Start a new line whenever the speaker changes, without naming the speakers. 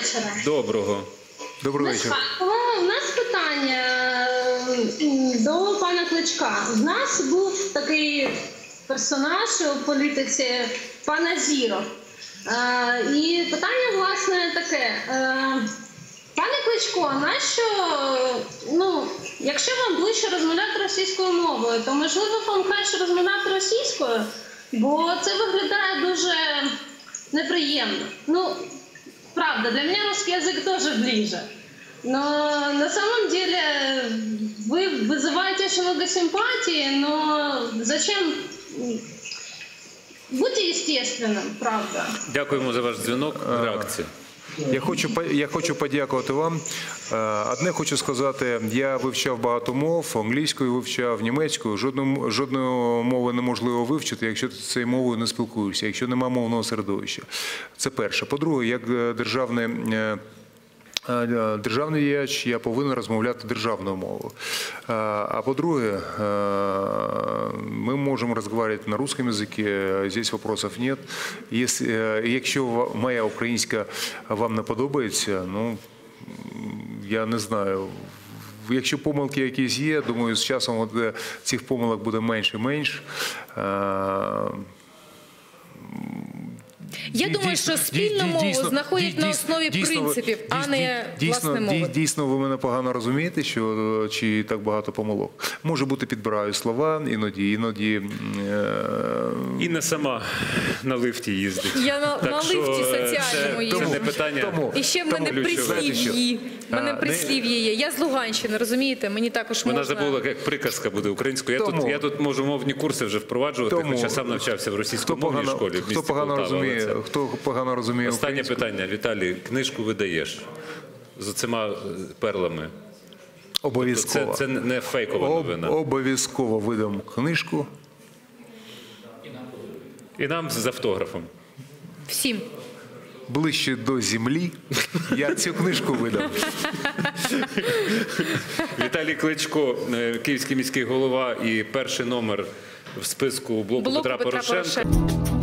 вечора.
Доброго.
Доброго вечора.
У нас питання до пана Кличка. У нас був такий персонаж у політиці пан Азіров. І питання, власне, таке. Пане Кличко, нащо, якщо вам ближче розмовляти російською мовою, то, можливо, вам краще розмовляти російською, бо це виглядає дуже неприємно. Правда, для меня русский язык тоже ближе. Но на самом деле вы вызываете очень много симпатии, но зачем? Будьте естественным, правда.
Дякуємо за ваш дзвінок. Реакція.
Я хочу подякувати вам. Одне хочу сказати, я вивчав багато мов, англійською вивчав, німецькою. Жодної мови неможливо вивчити, якщо ти цією мовою не спілкуєшся, якщо немає мовного середовища. Це перше. По-друге, як державний діяч, я повинен розмовляти державною мовою. А по-друге, мы можем разговаривать на русском языке, здесь вопросов нет. Якщо моя українська вам не подобається, я не знаю. Якщо помилки якісь є, думаю, з часом цих помилок буде менше і менше.
Я думаю, що спільну мову знаходять на основі принципів, а не власне мови.
Дійсно, ви мене погано розумієте, що чи так багато помилок. Може бути, підбираю слова, іноді.
Інна сама на лифті їздить.
Я на лифті соціальному їжджу.
Це не питання.
І ще в мене прислів'ї. В мене прислів'я є. Я з Луганщини, розумієте? Мені також можна...
Вона забула, як приказка буде українською. Я тут можу мовні курси вже впроваджувати, хоча сам навчався в російськомовній школі в місті Полтава.
Хто погано розуміє
Останнє питання, Віталій. Книжку видаєш з оцима перлами?
Обов'язково.
Це не фейкова новина.
Обов'язково видам книжку.
І нам з автографом.
Всім.
Ближче до землі я цю книжку видам.
Віталій Кличко, київський міський голова і перший номер в списку блоку Петра Порошенка.